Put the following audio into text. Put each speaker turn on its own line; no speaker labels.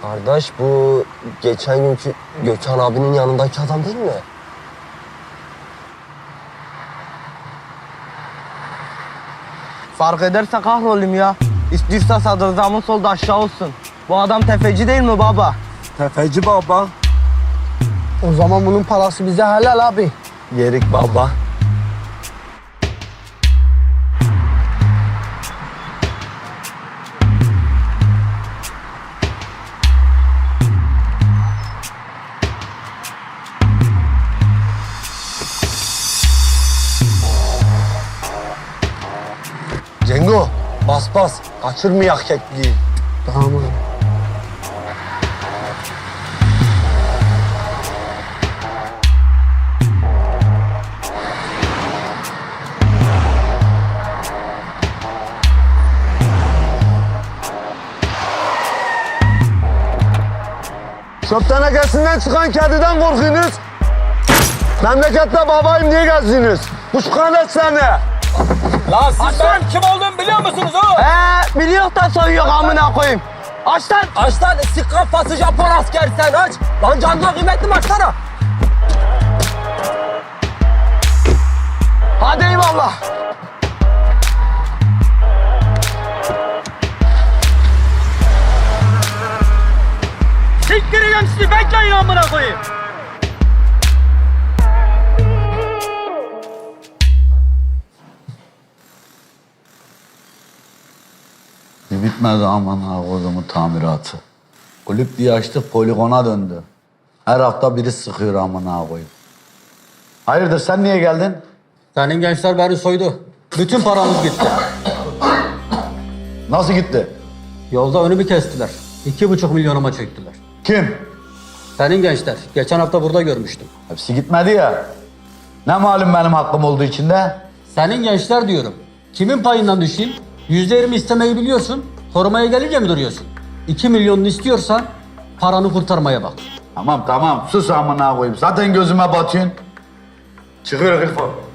Kardeş bu geçen günkü Gökhan abinin yanındaki adam değil mi?
Fark ederse kahrolayım ya. İstiyorsa sadrazamın solda aşağı olsun. Bu adam tefeci değil mi baba?
Tefeci baba.
O zaman bunun parası bize helal abi.
Yerik baba. Cengo, bas bas. Kaçırmayak kekliği.
Tamam abi.
Çöp tenekesinden çıkan kediden korkuyorsunuz. Memlekette babayım diye gezdiniz. Kuşkanet seni.
Lan siz benim kim olduğumu biliyor musunuz o?
Biliyor da soyuyor amına koyayım. Aç lan.
Aç lan sik kafası Japon asker sen aç. Lan canına kıymetli mi açsana?
Hadi eyvallah.
Siktireceğim sizi bekleyin amına koyayım.
Bitmedi aman ha kodumun tamiratı. Kulüp diye açtık poligona döndü. Her hafta biri sıkıyor aman ha koyayım. Hayırdır sen niye geldin?
Senin gençler beni soydu. Bütün paramız gitti.
Nasıl gitti?
Yolda önümü kestiler. 2,5 milyonuma çöktüler.
Kim?
Senin gençler. Geçen hafta burada görmüştüm.
Hepsi gitmedi ya. Ne malum benim hakkım olduğu içinde?
Senin gençler diyorum. Kimin payından düşeyim? %20 istemeyi biliyorsun. Korumaya gelince mi duruyorsun? 2 milyonunu istiyorsan paranı kurtarmaya bak.
Tamam sus aman ha koyayım. Zaten gözüme batıyorsun. Çıkıyor Gülfo.